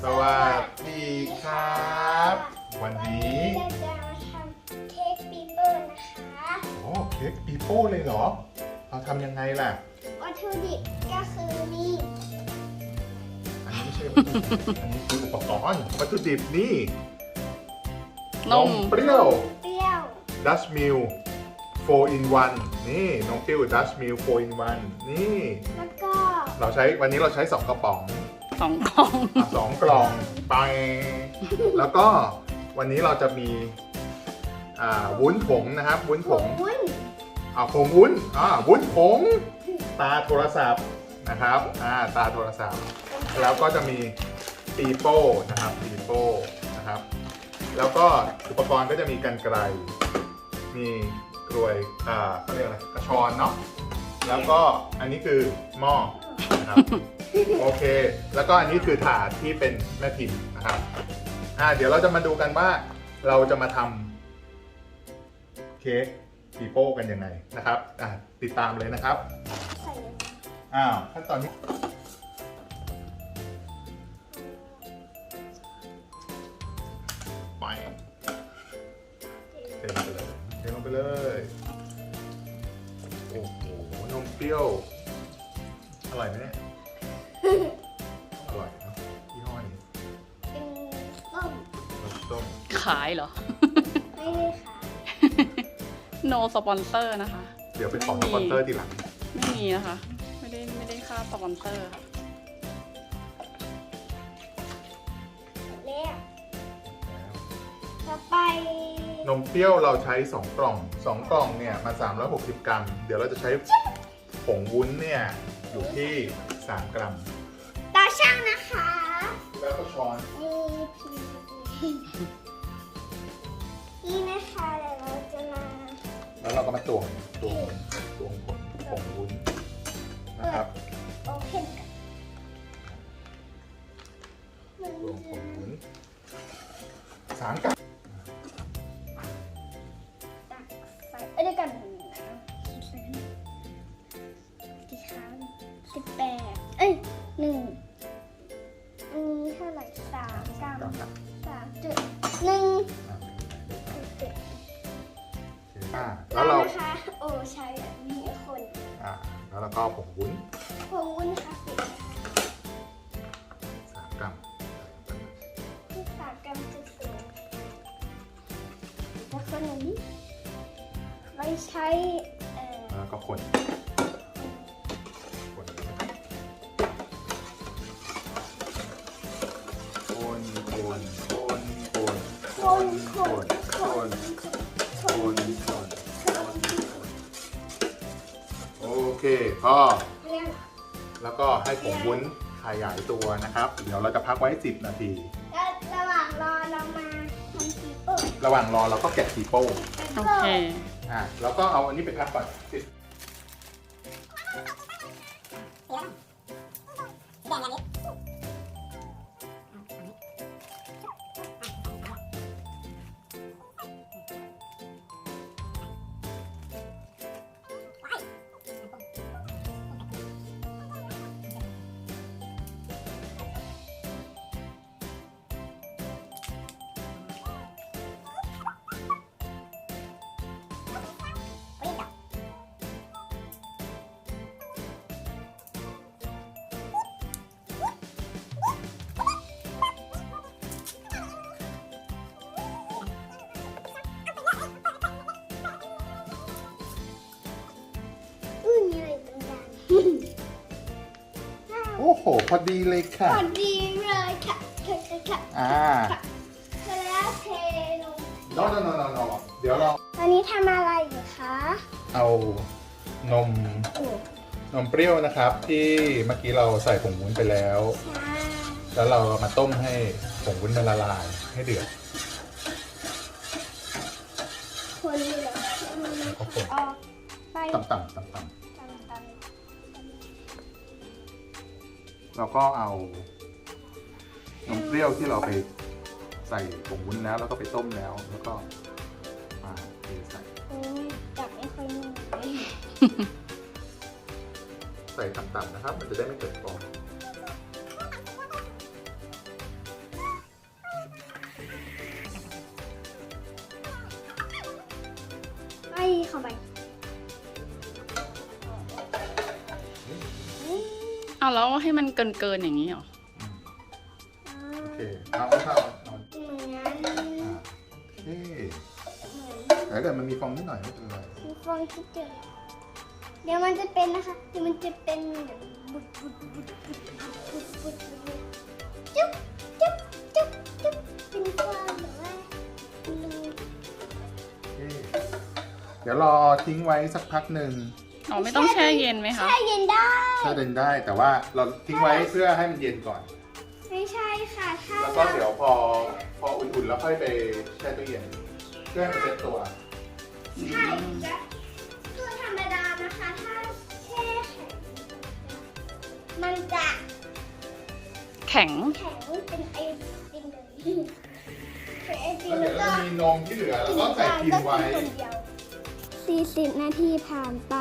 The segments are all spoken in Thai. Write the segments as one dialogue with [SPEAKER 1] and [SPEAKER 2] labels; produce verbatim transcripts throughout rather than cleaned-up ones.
[SPEAKER 1] สวัสดีครับ วันนี้
[SPEAKER 2] เราจะมาทำเค้กปีโป้นะคะ
[SPEAKER 1] โอ้เค้กปีโป้เลยเหรอเราทำยังไงล่ะ
[SPEAKER 2] วัตถุดิบก็คือมี
[SPEAKER 1] อันนี้ไม่ใช่วัตถุดิบอันนี้คืออุปกรณ์วัตถุดิบนี่
[SPEAKER 3] นม
[SPEAKER 1] เปรี้ยว
[SPEAKER 2] เปรี้ยว
[SPEAKER 1] ดัชมิลโฟร์ in วันนี่นมเปรี้ยวดัชมิลโฟร์ in วันนี่
[SPEAKER 2] แล้วก็
[SPEAKER 1] เราใช้วันนี้เราใช้สองกระป๋อง
[SPEAKER 3] สองกล่อง
[SPEAKER 1] อ่ะสองกล่องไปแล้วก็วันนี้เราจะมีอ่าวุ้นผงนะครับวุ้นผง
[SPEAKER 2] วุ้น
[SPEAKER 1] อ่าผงวุ้นอ่าวุ้นผงตาโทรศัพท์นะครับอ่าตาโทรศัพท์ แล้วก็จะมีปีโป้นะครับปีโป้นะครับแล้วก็อุปกรณ์ก็จะมีกรรไกรมีกลวยอ่าเขาเรียกอะไรกระชอนเนาะแล้วก็อันนี้คือหม้อนะครับ โอเค แล้วก็อันนี้คือถาดที่เป็นแม่พิมพ์นะครับอ่าเดี๋ยวเราจะมาดูกันว่าเราจะมาทำเค้กปีโป้กันยังไงนะครับอ่าติดตามเลยนะครับ
[SPEAKER 2] ใส่
[SPEAKER 1] อ้าวขั้นตอนนี้ไปเทลงไปเลยเทลงไปเลยโอ้โหนมเปรี้ยวอร่อยไหมเนี่ย อร่อยเนาะยี่ห้อนี้
[SPEAKER 2] เป็นต้ม
[SPEAKER 1] รสส้ม
[SPEAKER 3] ขายเหรอ
[SPEAKER 2] ไม่ได้ค่ะ
[SPEAKER 3] no สปอนเซอร์นะคะ
[SPEAKER 1] เดี๋ยวไปขอสปอนเซอร์ทีหลัง
[SPEAKER 3] ไม่มีนะคะ ไม่ได้ไม่ได้ค่าสปอนเซอร์
[SPEAKER 2] แล้วต่อไป
[SPEAKER 1] นมเปรี้ยวเราใช้สองกล่องสองกล่องเนี่ยมาสามร้อยหกสิบกรัม เดี๋ยวเราจะใช้ผงวุ้นเนี่ยอยู่ที่สามกรัม
[SPEAKER 2] ตาช่างนะคะ
[SPEAKER 1] แล้วก็ช้อน
[SPEAKER 2] นี่พีนี่นะคะเดี๋ยวเราจะมา
[SPEAKER 1] แล้วเราก็มาตวงตวงตวงผงผงวุ้นนะครับ
[SPEAKER 2] โอเพนกันมัน
[SPEAKER 1] ตวงผ
[SPEAKER 2] จะ
[SPEAKER 1] งวุ้นสามกรัม
[SPEAKER 2] ตักใส่เอ้ยเดี๋ยวกันนะกี่ครั้งสิบแปดเอ้ยหนึ่งอันนี้เท่าไหร่สามกรัม
[SPEAKER 1] กรัมครับ
[SPEAKER 2] สามจุดหนึ่ง
[SPEAKER 1] อ่า
[SPEAKER 2] จุด
[SPEAKER 1] โอเคอ่าแล้วเรา
[SPEAKER 2] นะคะโอ้ใช้แบบนี้คน
[SPEAKER 1] อ่าแล้วเราก็ผงวุ้น
[SPEAKER 2] พงวุ้นนะคะปิด
[SPEAKER 1] สามกรัม
[SPEAKER 2] ที่สามกรัมจุดศูนย์แล้วคนอันนี้ไว้ใช้เอ่อ
[SPEAKER 1] แล้วก็คนคนคนคนคนคนคนคนคนคนโอเคพอ
[SPEAKER 2] เรียง
[SPEAKER 1] แล้วก็ให้ผงวุ้นขยายตัวนะครับ เดี๋ยวเราจะพักไว้สิบนาที
[SPEAKER 2] แล้วระหว่างรอเรามาทำปีโป้
[SPEAKER 1] ระหว่างรอเราก็แกะปีโป้
[SPEAKER 3] โอเค
[SPEAKER 1] อ่ะแล้วก็เอาอันนี้ไปพักก่อนสิบ
[SPEAKER 2] อื้อมีอะไรตรงกลาง
[SPEAKER 1] โอ้โห พอดีเลยค่ะ
[SPEAKER 2] พอดีเลยค่ะค่ะค่ะค่ะ
[SPEAKER 1] อ่า
[SPEAKER 2] เสร็จแล้วเทลง
[SPEAKER 1] โนโนโนโนโนเดี๋ยวเรา
[SPEAKER 2] ตอนนี้ทำอะไรอยู่คะ
[SPEAKER 1] เอานม
[SPEAKER 2] โอ้
[SPEAKER 1] นมเปรี้ยวนะครับ ที่เมื่อกี้เราใส่ผงวุ้นไปแล้ว
[SPEAKER 2] ใช่
[SPEAKER 1] แล้วเรามาต้มให้ผงวุ้นมันละลายให้เดือด
[SPEAKER 2] คนเหลือมัน
[SPEAKER 1] ก็คน
[SPEAKER 2] ออกไป
[SPEAKER 1] ต่ำๆต่ำ
[SPEAKER 2] ตำตำ
[SPEAKER 1] ๆเราก็เอานมเปรี้ยวที่เราไปใส่ผงวุ้นแล้วแล้วก็ไปต้มแล้ว แล้วก็มาเทใส่
[SPEAKER 2] อืมจับไม่ค่อยนิ่งเลย
[SPEAKER 1] ใส่ต่ำๆนะครับ มันจะได้ไม่เกิดฟอง
[SPEAKER 3] เอาแล้วให้มันเกินเกินๆอย่างนี้เหรอ
[SPEAKER 2] อ่า
[SPEAKER 1] โอเคเอาเอาเอาเอา
[SPEAKER 2] เหมือน
[SPEAKER 1] อ่าโอเค
[SPEAKER 2] เหมือน
[SPEAKER 1] แต่ถ้าเกิดมันมีฟองนิดหน่อยไม่เป็นไร
[SPEAKER 2] มีฟองที่เจอเดี๋ยวมันจะเป็นนะคะ เดี๋ยวมันจะเป็นเหมือนบุดบุดบุดบุดบุดบุดบุดบุดจุ๊บจุ๊บจุ๊บจุ๊บเป็นความแบบว่ารู
[SPEAKER 1] โอเคเดี๋ยวรอทิ้งไว้สักพักหนึ่ง
[SPEAKER 3] อ๋อไม่ต้องแช่เย็นไหมคะ
[SPEAKER 2] แช่เย็นได้
[SPEAKER 1] แช่เย็นได้แต่ว่าเราทิ้งไว้เพื่อให้มันเย็นก่อน
[SPEAKER 2] ไม่ใช่ค่ะ ถ้า
[SPEAKER 1] แล้วก็เดี๋ยวพอพออุ่นๆแล้วค่อยไปแช่ตู้เย็นเพื่อให้มันเซ็ตตัว
[SPEAKER 2] ใช่จะคือธรรมดานะคะ ถ้าแช่แข็งมันจะ
[SPEAKER 3] แข็ง
[SPEAKER 2] แข็งเป็นไอติมเลยเป็นไอติม
[SPEAKER 1] แล้ว
[SPEAKER 2] แล้
[SPEAKER 1] เดี๋ยว ว
[SPEAKER 2] ก็
[SPEAKER 1] จะมีนมที่เหลือแล้วก็ใส่พิมพ์ไว้
[SPEAKER 2] สี่สิบนาทีผ่านไป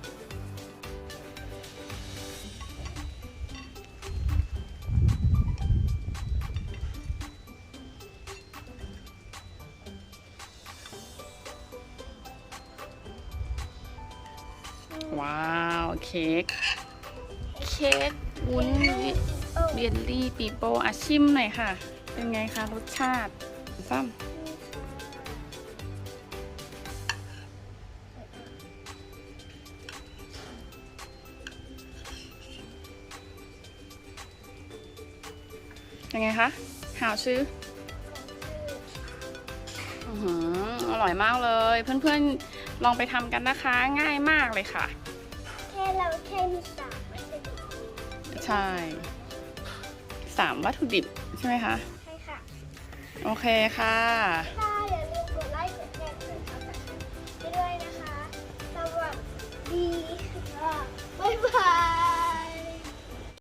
[SPEAKER 3] ว้าวเค้กเค้กวุ้นเยลลี่ปีโป้อาชิมหน่อยค่ะ เป็นไงคะรสชาติซ้ำยังไงคะหาวชื่ออือหืออร่อยมากเลย เพื่อนๆลองไปทำกันนะคะ ง่ายมากเลยค่ะ
[SPEAKER 2] แค่เราแค่มีสามวัตถุดิบ
[SPEAKER 3] ใช่สามวัตถุดิบใช่ไหมคะ
[SPEAKER 2] ใช่ค่ะ
[SPEAKER 3] โอเคค่ะ
[SPEAKER 2] ค่ะอย่าลืมกดไลค์กดแชร์กดซับสไครต์ด้วยนะคะ สวัสดีค่ะบ๊ายบาย